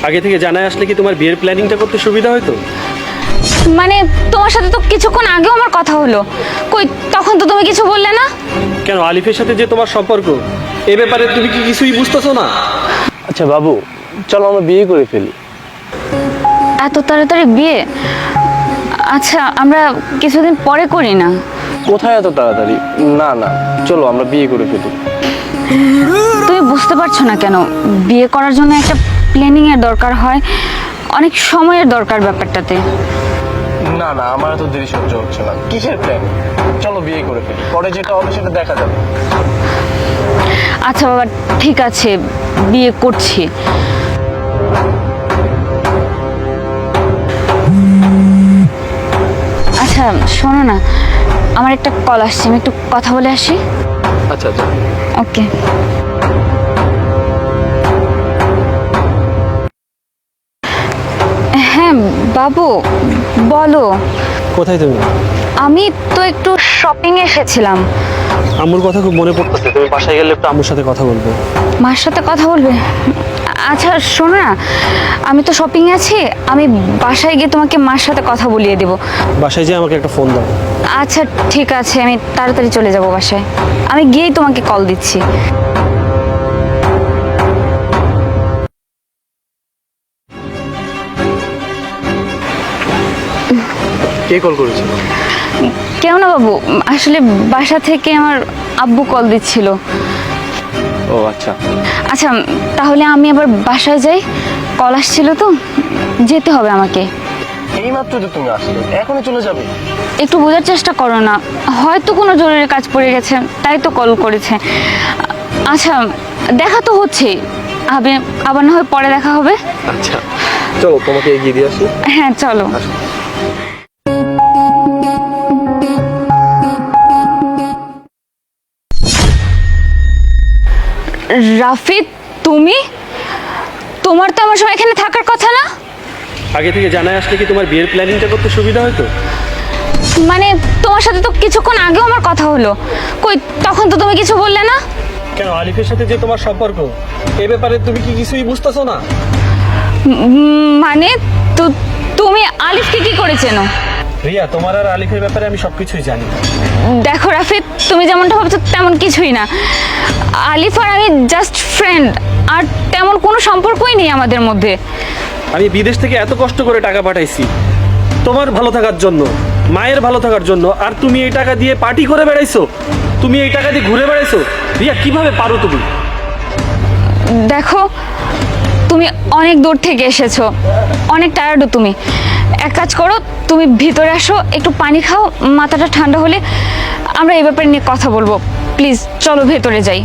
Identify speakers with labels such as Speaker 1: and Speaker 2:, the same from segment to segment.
Speaker 1: আগে থেকে জানায় আসলে কি তোমার বিয়ের প্ল্যানিংটা করতে সুবিধা হতো?
Speaker 2: মানে তোমার সাথে তো কিছুক্ষণ আগেও আমার কথা হলো, কই তখন তো তুমি কিছু বললে না।
Speaker 1: কেন, আলিফের সাথে যে তোমার সম্পর্ক, এ ব্যাপারে তুমি কি কিছুই বুঝতেছো না?
Speaker 3: আচ্ছা বাবু, চলো আমরা বিয়ে করে ফেলি।
Speaker 2: এত তাড়াতাড়ি বিয়ে? আচ্ছা আমরা কিছুদিন পরে করি না?
Speaker 3: কোথায় এত তাড়াতাড়ি? না না, চলো আমরা বিয়ে করে ফেলি।
Speaker 2: তুমি বুঝতে পারছো না কেন? বিয়ে করার জন্য একটা প্ল্যানিং এর দরকার হয়, অনেক সময়ের দরকার ব্যাপারটাতে।
Speaker 3: না না, আমার এত দেরি সহ্য হচ্ছে না। কিসের প্ল্যান? চলো বিয়ে করে ফেলি, পরে যেটা হবে সেটা দেখা যাবে।
Speaker 2: আচ্ছা বাবা, ঠিক আছে, বিয়ে করছি। আচ্ছা শোনো না, আমার একটা কল আসছে, আমি একটু কথা বলে আসি।
Speaker 3: আচ্ছা আচ্ছা।
Speaker 2: ওকে। হ্যাঁ বাবু, বলো।
Speaker 1: কোথায় তুমি?
Speaker 2: আমি তো একটু শপিং এসেছিলাম।
Speaker 1: আম্মুর কথা খুব মনে পড়তেছে, তুমি বাসায় গেলে একটু আম্মুর সাথে কথা বলবো।
Speaker 2: মার সাথে কথা বলবে? আচ্ছা শোনো না, আমি তো শপিং আছি, আমি বাসায় গিয়ে তোমাকে মার সাথে কথা বলিয়ে দেবো।
Speaker 1: বাসায় যেয়ে আমাকে একটা ফোন দাও।
Speaker 2: আচ্ছা ঠিক আছে, আমি তাড়াতাড়ি চলে যাব বাসায়, আমি গিয়েই তোমাকে কল দিচ্ছি।
Speaker 3: কে কল করেছিল?
Speaker 2: কেউ না বাবু, আসলে বাসা থেকে আমার আব্বু কল দিচ্ছিল।
Speaker 3: ও আচ্ছা।
Speaker 2: আচ্ছা তাহলে আমি আবার বাসায় যাই, কল আসছিল তো, যেতে হবে আমাকে।
Speaker 3: এই মাত্র তো তুমি আসলে, এখনই চলে যাবে?
Speaker 2: একটু বোঝার চেষ্টা করো না, হয়তো কোনো জরুরি কাজ পড়ে গেছে তাই তো কল করেছে। আচ্ছা দেখা তো হচ্ছে, আবার না হয় পরে দেখা হবে।
Speaker 3: আচ্ছা চলো, তোমাকে এগিয়ে দিয়ে আসি।
Speaker 2: হ্যাঁ চলো। রাফিদ, তুমি? তোমার তো আমার সময় এখানে থাকার কথা না?
Speaker 1: আগে থেকে জানায় আসলে কি তোমার বিয়ের প্ল্যানিংটা করতে সুবিধা হতো?
Speaker 2: মানে তোমার সাথে তো কিছুক্ষণ আগেও আমার কথা হলো, কই তখন তো তুমি কিছু বললে না।
Speaker 1: কেন, আলিফের সাথে যে তোমার সম্পর্ক, এ ব্যাপারে তুমি কি কিছুই বুঝতেছো না?
Speaker 2: মানে তুমি আলিফকে কি করে চেনো?
Speaker 1: রিয়া, তোমার আর আলিফের ব্যাপারে আমি সবকিছুই জানি।
Speaker 2: দেখো রাফিদ, তুমি যেমনটা ভাবছো তেমন কিছুই না। আলিফ আর আমি জাস্ট ফ্রেন্ড, আর তেমন কোনো সম্পর্কই নেই আমাদের মধ্যে।
Speaker 1: আমি বিদেশ থেকে এত কষ্ট করে টাকা পাঠাইছি তোমার ভালো থাকার জন্য, মায়ের ভালো থাকার জন্য, আর তুমি এই টাকা দিয়ে পার্টি করে বেড়াইছো, তুমি এই টাকা দিয়ে ঘুরে বেড়াইছো। রিয়া, কিভাবে পারো তুমি?
Speaker 2: দেখো তুমি অনেক দূর থেকে এসেছো, অনেক টায়ার্ডও তুমি। এক কাজ করো, তুমি ভিতরে আসো, একটু পানি খাও, মাথাটা ঠান্ডা হলে আমরা এই ব্যাপারে নিয়ে কথা বলবো। প্লিজ চলো ভেতরে যাই।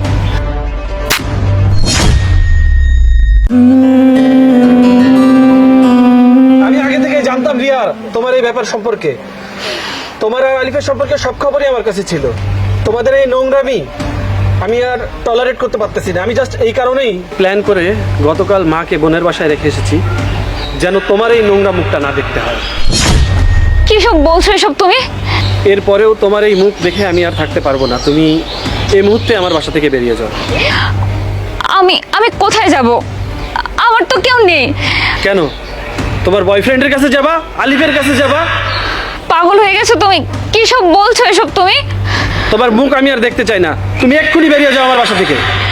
Speaker 1: আমি আগে থেকে জানতাম রিয়া তোমার এই ব্যাপার সম্পর্কে, তোমার আর আলিফের সম্পর্কে সব খবরই আমার কাছে ছিল। তোমাদের এই নোংরামি আমি আর টলারেট করতে পারতেছি না। আমি জাস্ট এই কারণেই প্ল্যান করে গতকাল মাকে বোনের বাসায় রেখে এসেছি, যেন তোমার এই নোংরা মুখটা না দেখতে হয়।
Speaker 2: কি সব বলছো এসব তুমি?
Speaker 1: এরপরেও তোমার এই মুখ দেখে আমি আর থাকতে পারবো না। তুমি এই মুহূর্তে আমার বাসা থেকে বেরিয়ে যাও।
Speaker 2: আমি আমি কোথায় যাব? আমার তো কেউ নেই।
Speaker 1: কেন, তোমার বয়ফ্রেন্ডের কাছে যাবা? আলিফের কাছে যাবা?
Speaker 2: পাগল হয়ে গেছো তুমি? কি সব বলছো এসব তুমি?
Speaker 1: তোমার মুখ আমি আর দেখতে চাই না। তুমি এক্ষুনি বেরিয়ে যাও আমার বাসা থেকে।